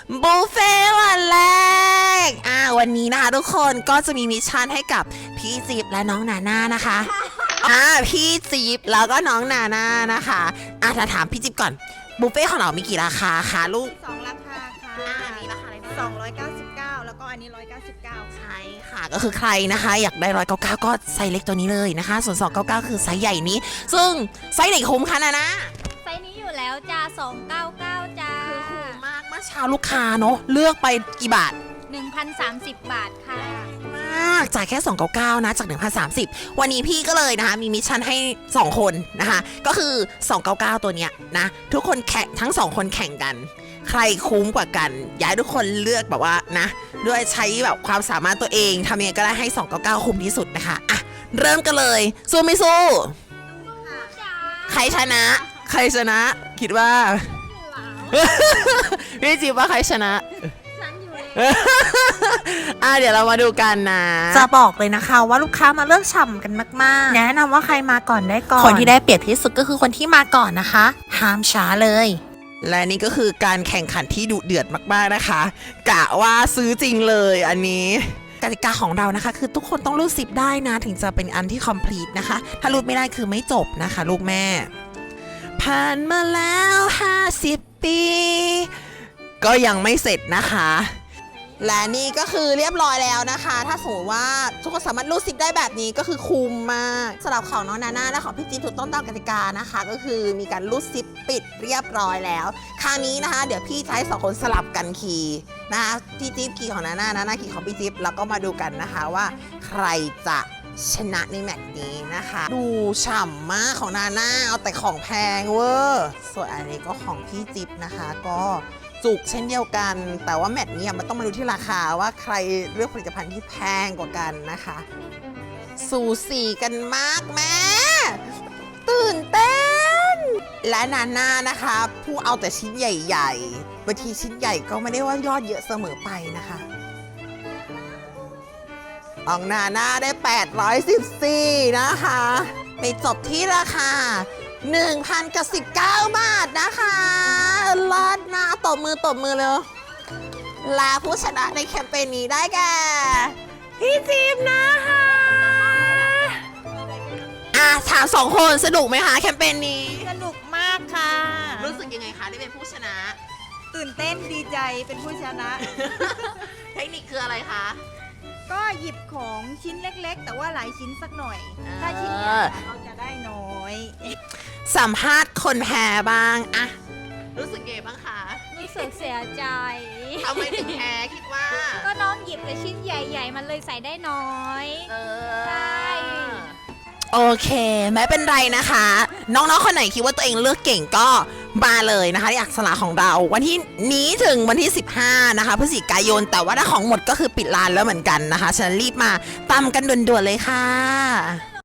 บุฟเฟ่ต์วันแรกวันนี้นะคะทุกคนก็จะมีมิชชั่นให้กับพี่จิ๊บและน้องนาน่านะคะพี่จิ๊บแล้วก็น้องนาน่านะคะถ้าถามพี่จิ๊บก่อนบุฟเฟ่ต์ของเรามีกี่ราคาคะลูก 2 ราคาค่ะอันนี้ราคาอะไร 299แล้วก็อันนี้199 ใช่ค่ะก็คือใครนะคะอยากได้199ก็ไซส์เล็กตัวนี้เลยนะคะส่วน299คือไซส์ใหญ่นี้ซึ่งไซส์ไหนคุ้มคะนาน่าไซส์นี้อยู่แล้วจ้า299จ้าคือคุ้มมากเมื่อเช้าลูกค้าเนาะเลือกไปกี่บาท 1,030 บาทค่ะมากจ่ายแค่299นะจาก1,030วันนี้พี่ก็เลยนะคะมีมิชชั่นให้2คนนะคะก็คือ299ตัวเนี้ยนะทุกคนแข่งทั้ง2คนแข่งกันใครคุ้มกว่ากันอยากให้ทุกคนเลือกแบบว่านะด้วยใช้แบบความสามารถตัวเองทำยังไงก็ได้ให้299คุ้มที่สุดนะคะเริ่มกันเลยสู้ไม่สู้ใครชนะคิดว่าพี่จิ๊บว่าใครชนะเดี๋ยวเรามาดูกันนะจะบอกเลยนะคะว่าลูกค้ามาเลือกฉ่ำกันมากๆแนะนำว่าใครมาก่อนได้ก่อนคนที่ได้เปรียบที่สุดก็คือคนที่มาก่อนนะคะห้ามช้าเลยและนี่ก็คือการแข่งขันที่ดุเดือดมากๆนะคะกะว่าซื้อจริงเลยอันนี้กติกาของเรานะคะคือทุกคนต้องรูดซิปได้นะถึงจะเป็นอันที่ complete นะคะถ้ารูดไม่ได้คือไม่จบนะคะลูกแม่ผ่านมาแล้ว50 ปีก็ยังไม่เสร็จนะคะและนี่ก็คือเรียบร้อยแล้วนะคะถ้าสมมติว่าทุกคนสามารถรูดซิปได้แบบนี้ก็คือคุ้มมากสำหรับของน้องนาน่าและของพี่จิ๊บถูกต้องตามกติกานะคะก็คือมีการรูดซิปปิดเรียบร้อยแล้วคราวนี้นะคะเดี๋ยวพี่ใช้2คนสลับกันขี่นะคะพี่จิ๊บขี่ของนาน่าขี่ของพี่จิ๊บแล้วก็มาดูกันนะคะว่าใครจะชนะในแมตช์นี้นะคะดูฉ่ำมากของนาน่าเอาแต่ของแพงเวอร์ส่วนอันนี้ก็ของพี่จิ๊บนะคะก็จุกเช่นเดียวกันแต่ว่าแมตช์นี้มันต้องมาดูที่ราคาว่าใครเลือกผลิตภัณฑ์ที่แพงกว่ากันนะคะสูสีกันมากแม่ตื่นเต้นและนาน่านะคะผู้เอาแต่ชิ้นใหญ่ๆบางทีชิ้นใหญ่ก็ไม่ได้ว่ายอดเยอะเสมอไปนะคะของนาน่าได้814นะคะไปจบที่ราคา1,019 บาทนะคะลอดมาตบมือเลยและผู้ชนะในแคมเปญนี้ได้แก่พี่จิ๊บนะคะถาม2คนสนุกไหมคะแคมเปญนี้สนุกมากค่ะรู้สึกยังไงคะได้เป็นผู้ชนะตื่นเต้นดีใจเป็นผู้ชนะเทคนิคคืออะไรคะก็หยิบของชิ้นเล็กๆแต่ว่าหลายชิ้นสักหน่อยถ้าชิ้นใหญ่เราจะได้น้อยสัมภาษณ์คนแพ้บ้างรู้สึกไงบ้างคะรู้สึกเสียใจทำไมถึงแพ้คิดว่าก็น้องหยิบแต่ชิ้นใหญ่ๆมันเลยใส่ได้น้อยใช่โอเคไม่เป็นไรนะคะน้องๆคนไหนคิดว่าตัวเองเลือกเก่งก็มาเลยนะคะอยากสละของเราวันที่นี้ถึงวันที่15นะคะพฤศจิกายนแต่ว่าถ้าของหมดก็คือปิดร้านแล้วเหมือนกันนะคะฉะนั้นรีบมาตามกันด่วนๆเลยค่ะ